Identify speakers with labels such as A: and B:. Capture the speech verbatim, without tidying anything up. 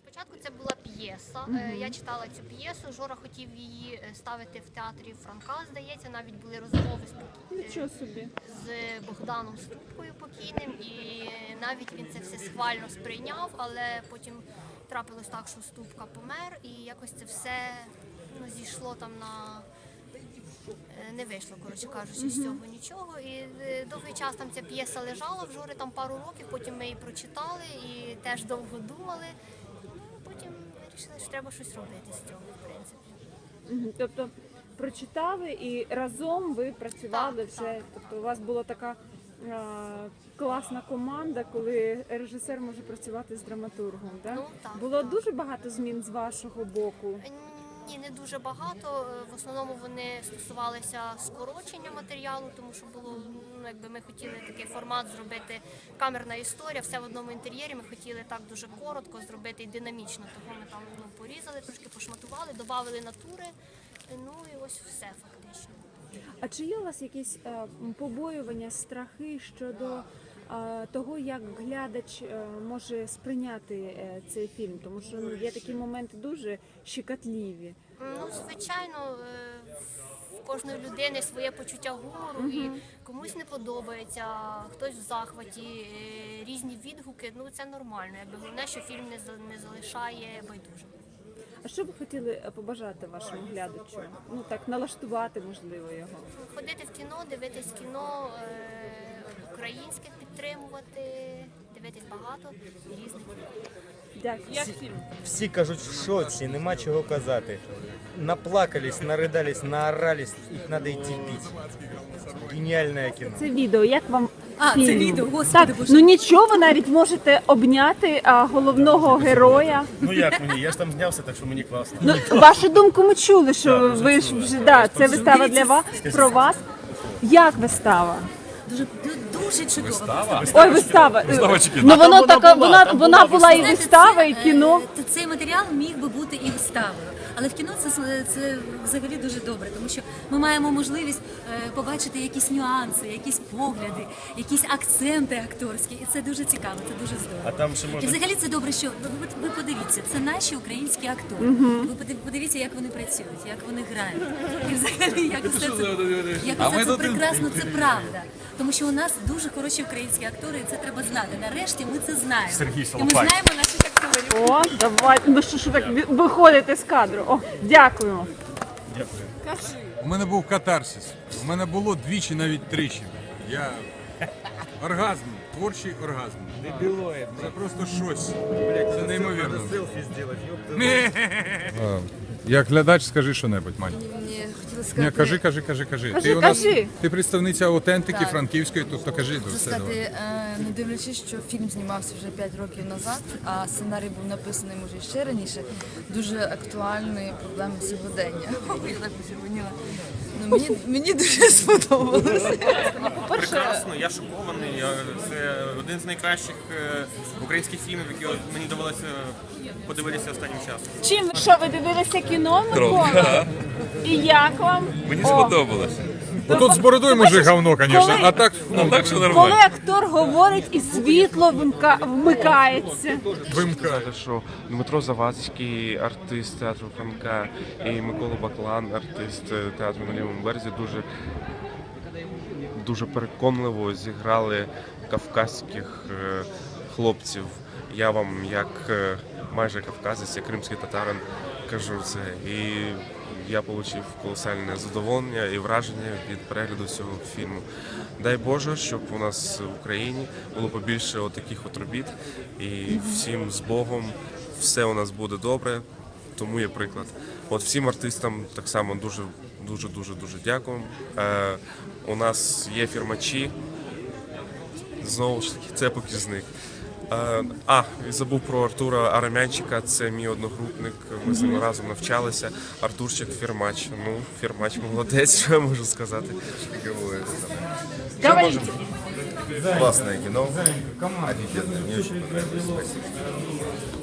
A: Спочатку це була п'єса. Mm-hmm. Я читала цю п'єсу. Жора хотів її ставити в театрі Франка, здається. Навіть були розмови з,
B: Нічого собі.
A: з Богданом Ступкою покійним. І навіть він це все схвально сприйняв, але потім трапилось так, що Ступка помер. І якось це все ну, зійшло там на... Не вийшло, коротше кажучи, з цього нічого. І довгий час там ця п'єса лежала в Жори, там пару років, потім ми її прочитали і теж довго думали. Ну, потім вирішили, що треба щось робити з цього, в принципі.
B: Тобто прочитали і разом ви працювали
A: Так,
B: вже,
A: так.
B: тобто у вас була така а, класна команда, коли режисер може працювати з драматургом, да?
A: Ну, так,
B: Було
A: так.
B: дуже багато змін з вашого боку?
A: Ні, не дуже багато. В основному вони стосувалися скорочення матеріалу, тому що було, ну, якби ми хотіли такий формат зробити, камерна історія, все в одному інтер'єрі. Ми хотіли так дуже коротко зробити і динамічно. Того ми там ну, порізали, трошки пошматували, додали натури. Ну і ось все фактично.
B: А чи є у вас якісь е, побоювання, страхи щодо е, того, як глядач е, може сприйняти е, цей фільм? Тому що ну, є такі моменти дуже щекотливі.
A: Ну, звичайно, е, в кожної людини своє почуття гумору, і комусь не подобається, хтось в захваті, е, різні відгуки. Ну, це нормально. Якби головне, що фільм не, за- не залишає байдужим.
B: А що ви хотіли побажати вашому глядачу? Ну так, налаштувати, можливо, його.
A: Ходити в кіно, дивитись кіно е, українське, підтримувати, дивитись багато різних.
B: Дякую.
C: Як фільм? Всі кажуть в шоці, нема чого казати. Наплакались, наридались, наорались, і треба йти пити. Геніальне кіно.
B: Це відео, як вам
D: А,
B: фільм?
D: це відео, господи,
B: так,
D: боже.
B: ну нічого, ви навіть можете обняти а, головного героя.
E: Ну як мені? Я ж там знявся, так що мені класно.
B: Ну, вашу думку ми чули, що
E: Так,
B: ви ж
E: чули.
B: вже, да, це вистава для вас, про вас. Як вистава?
D: Дуже, дуже чудово.
E: Вистава?
B: Ой, вистава.
E: Вистава чи кіно?
B: Ну,
E: А там
B: воно
E: вона
B: така,
E: була,
B: вона,
E: там
B: вона
E: була
B: була і
D: Знаєте,
B: вистава,
D: це,
B: і кіно.
D: е, Цей матеріал міг би бути і виставою. Але в кіно це, це взагалі дуже добре, тому що ми маємо можливість е, побачити якісь нюанси, якісь погляди, якісь акценти акторські. І це дуже цікаво, це дуже здорово.
E: А там ще
D: І
E: можна...
D: взагалі це добре, що ви, ви, ви подивіться, це наші українські актори. Ви подив- подивіться, як вони працюють, як вони грають. І взагалі, як все це, як все це прекрасно, це правда. Тому що у нас дуже хороші українські актори, і це треба знати. Нарешті ми це знаємо.
E: Сергій
D: І ми
E: Солопай.
D: знаємо наших акторів.
B: О, давай. Ну що ж ви так ви- виходите з кадру? О, дякуємо.
F: У мене був катарсис. У мене було двічі, навіть тричі. Я оргазм, творчий оргазм.
C: Дебілоїд.
F: Це просто щось.
C: Блядь,
F: Це неймовірно.
C: селфі зробити, ёпта.
F: Як глядач, скажи що-небудь, Мань.
G: Мені хотіла
F: Ні,
G: сказати,
F: кажи, кажи, кажи, кажи.
B: Кажи,
F: Ти у нас
B: кажи.
F: ти представниця аутентики
G: Так.
F: франківської, тобто кажи то
G: хочу
F: все.
G: сказати,
F: давай.
G: е, не дивлячись, що фільм знімався вже п'ять років назад, а сценарій був написаний може ще раніше, дуже актуальні проблеми сьогодення. Я так почервоніла. Ну, мені, мені дуже сподобалося.
H: Прекрасно, я шокований. Я- Це один з найкращих е, українських фільмів, які от мені довелося подивитися останнім часом.
B: Чим що ви дивилися кіно, Микола? І як вам?
I: Мені
B: О,
I: сподобалося.
F: Ну, тут з бородою може говно, звісно,
B: коли-
F: а так, ну,
I: Так що
B: Коли
I: нормально.
B: актор говорить і світло вимка- вмикається.
F: вимка.
I: Що Дмитро Завадський, артист театру Франка, і Микола Баклан, артист е, театру на лівому березі, дуже, дуже переконливо зіграли кавказьких е, хлопців. Я вам, як е, майже кавказець, як кримський татарин, кажу це. І я отримав колосальне задоволення і враження від перегляду цього фільму. Дай Боже, щоб у нас в Україні було побільше отаких от робіт. І всім з Богом все у нас буде добре, тому є приклад. От всім артистам так само дуже, дуже, дуже, дуже дякую. Е, у нас є фірмачі, знову ж таки, це показник. Е, А, і забув про Артура Арамянчика, це мій одногрупник, ми з ним разом навчалися. Артурчик фірмач. Ну, фірмач молодець, що я можу сказати.
B: Говорите.
E: Классное кино. Офигенное. Мне очень понравилось. Спасибо.